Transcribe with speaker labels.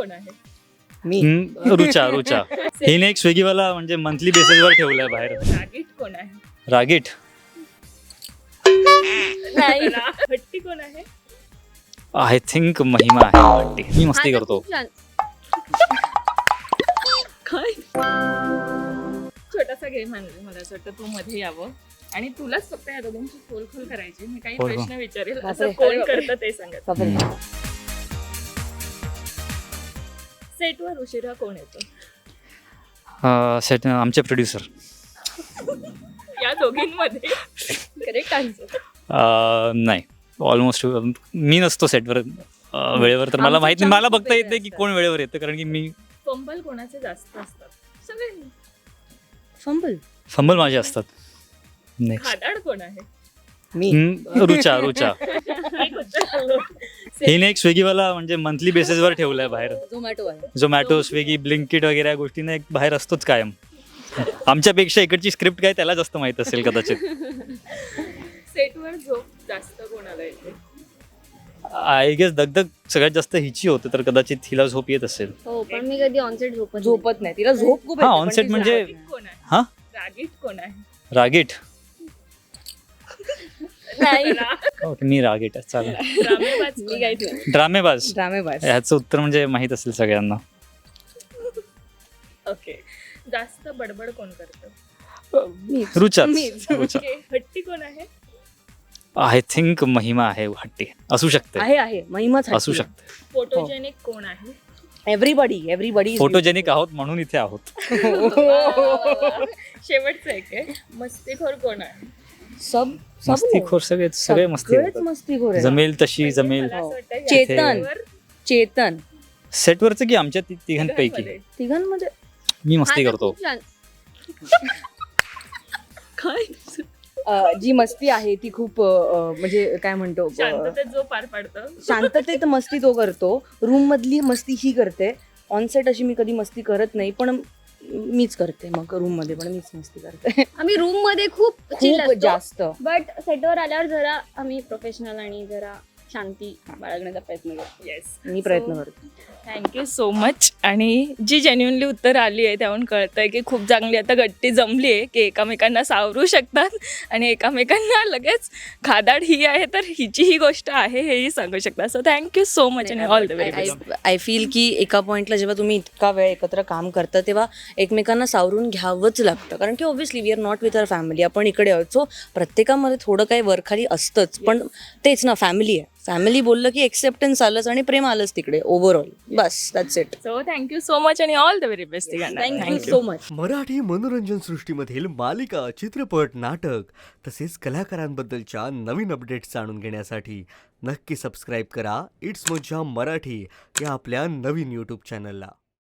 Speaker 1: कोण आहे?
Speaker 2: मी
Speaker 3: रुचा रुचा हिने एक स्विगीवाला म्हणजे मंथली बेसिसवर ठेवलाय बाहेर.
Speaker 1: रागीट कोण आहे?
Speaker 3: रागीट
Speaker 1: नाही. हट्टी कोण आहे?
Speaker 3: आय थिंक महिमा आहे वाटते. मी मस्ती करतो.
Speaker 1: काय छोटासा गेम आणला मला असं वाटतं तू मध्ये यावं आणि तुलाच फक्त या दोघांची खोल करायची. मी काही
Speaker 3: खोल.
Speaker 1: प्रश्न विचारेल असं
Speaker 2: बापरे.
Speaker 1: कोण करतं ते सांगत.
Speaker 2: बापरे.
Speaker 1: सेटवर उशिरा कोण येतो?
Speaker 3: सेट आमचे प्रोड्युसर.
Speaker 1: या दोघींमध्ये करेक्ट आन्सर.
Speaker 3: नाही ऑलमोस्ट मी नसतो सेटवर वेळेवर, तर मला माहित नाही. मला
Speaker 2: खूप
Speaker 3: बघता येत नाही की
Speaker 2: वेगळे
Speaker 3: कोण वेळेवर येतं, कारण की मी
Speaker 1: फंबल कोणाचे जास्त असतात? सगळे.
Speaker 3: फंबल माझे असतात. नेक्स्ट
Speaker 1: खादाड कोण आहे?
Speaker 2: मी
Speaker 3: रुचा रुचा
Speaker 1: एक उत्तर आलं.
Speaker 3: हिने एक स्विगीवाला म्हणजे मंथली बेसिसवर ठेवलाय बाहेर.
Speaker 2: झोमॅटो आहे.
Speaker 3: झोमॅटो, स्विगी, ब्लिंकिट वगैरे या गोष्टींना एक बाहेर असतोच कायम. आमच्यापेक्षा इकडची स्क्रिप्ट काय त्याला जास्त माहित असेल कदाचित.
Speaker 1: सेटवर झोप जास्त कोणाला येते?
Speaker 3: आय गेस दगदग सगळ्यात जास्त हिची होते, तर कदाचित हिला झोप येत असेल.
Speaker 4: हो पण मी कधी ऑनसेट
Speaker 2: झोपत नाही, तिला झोप खूप
Speaker 3: हा,
Speaker 2: येते, पण
Speaker 3: on set
Speaker 2: ती
Speaker 3: म्हणजे-
Speaker 2: झोपत
Speaker 1: रागीट कोण आहे?
Speaker 3: हा
Speaker 1: रागीट कोण आहे?
Speaker 3: रागीट.
Speaker 4: नाही.
Speaker 3: ओके मी रागीट आहे. चालेल.
Speaker 1: ड्रामेबाज
Speaker 4: मी
Speaker 1: कोण
Speaker 4: काहीच
Speaker 1: आहे?
Speaker 4: नाही.
Speaker 3: ड्रामेबाज.
Speaker 2: नाही. ड्रामेबाज.
Speaker 3: ह्याचं उत्तर म्हणजे माहित असेल सगळ्यांना.
Speaker 1: ओके. जास्त बडबड कोण करतं?
Speaker 2: मीच.
Speaker 3: रुचाच.
Speaker 2: मीच.
Speaker 3: रुचा.
Speaker 1: ओके. हट्टी कोण आहे?
Speaker 3: आय थिंक महिमा आहे हट्टी. असू शकते.
Speaker 2: आहे महिमाच
Speaker 3: असू शकते.
Speaker 1: फोटोजेनिक कोण आहे?
Speaker 2: एव्हरीबडी
Speaker 3: फोटोजेनिक आहोत म्हणून इथे आहोत.
Speaker 1: शेवटचं एक आहे. मस्तीखोर कोण आहे?
Speaker 2: सब
Speaker 3: मस्तीखोर सगळे मस्ती
Speaker 2: सगळेच
Speaker 3: करतात.
Speaker 2: मस्तीखोर आहे.
Speaker 3: जमेल तशी जमेल.
Speaker 1: मला असं वाटतं या
Speaker 2: चेतन.
Speaker 1: सेटवर
Speaker 2: चेतन
Speaker 3: सेटवरचं की आमच्या तिघांपैकी
Speaker 1: तिघांमध्ये.
Speaker 2: तिघांमध्ये
Speaker 3: मी मस्ती करतो.
Speaker 1: काय?
Speaker 2: जी मस्ती आहे ती खूप म्हणजे काय म्हणतो
Speaker 1: शांततेत जो पार पाडतं.
Speaker 2: शांततेत मस्ती तो करतो. रूम मधली मस्ती ही करते. ऑनसेट अशी मी कधी मस्ती करत नाही, पण मीच करते. मग रूम मध्ये पण मीच मस्ती करते.
Speaker 4: आम्ही रूम मध्ये खूप chill
Speaker 2: खूप
Speaker 4: असतो.
Speaker 2: जास्त.
Speaker 4: बट सेटवर आल्यावर जरा आम्ही प्रोफेशनल आणि जरा शांती बाळगण्याचा प्रयत्न करतो.
Speaker 1: येस.
Speaker 2: मी प्रयत्न करते.
Speaker 1: Thank you so much. आणि जी जेन्युनली उत्तर आली आहे त्याहून कळतंय की खूप चांगली आता गट्टी जमली आहे की एकामेकांना सावरू शकतात आणि एकामेकांना लगेच खादाड ही आहे तर हिची ही गोष्ट आहे हेही सांगू शकतात. सो थँक्यू सो मच आणि all the very best.
Speaker 2: I feel की एका पॉइंटला जेव्हा तुम्ही इतका वेळ एकत्र काम करता तेव्हा एकमेकांना सावरून घ्यावंच लागतं, कारण की obviously we are not with our family. आपण इकडे आहोत, सो प्रत्येकामध्ये थोडं काही वरखाली असतंच, पण तेच ना फॅमिली आहे. फॅमिली बोललं की एक्सेप्टन्स आलंच आणि प्रेम आलंच तिकडे ओव्हरऑल. बस that's it.
Speaker 1: So thank you so much आणि all the very best.
Speaker 2: Thank you so much.
Speaker 5: Marathi मनोरंजन सृष्टीमधील मालिका, चित्रपट, नाटक तसेच कलाकारांबद्दलच्या नवीन अपडेट्स जाणून घेण्यासाठी नक्की सबस्क्राईब करा इट्स मज्जा मराठी या आपल्या नवीन यूट्यूब चॅनलला.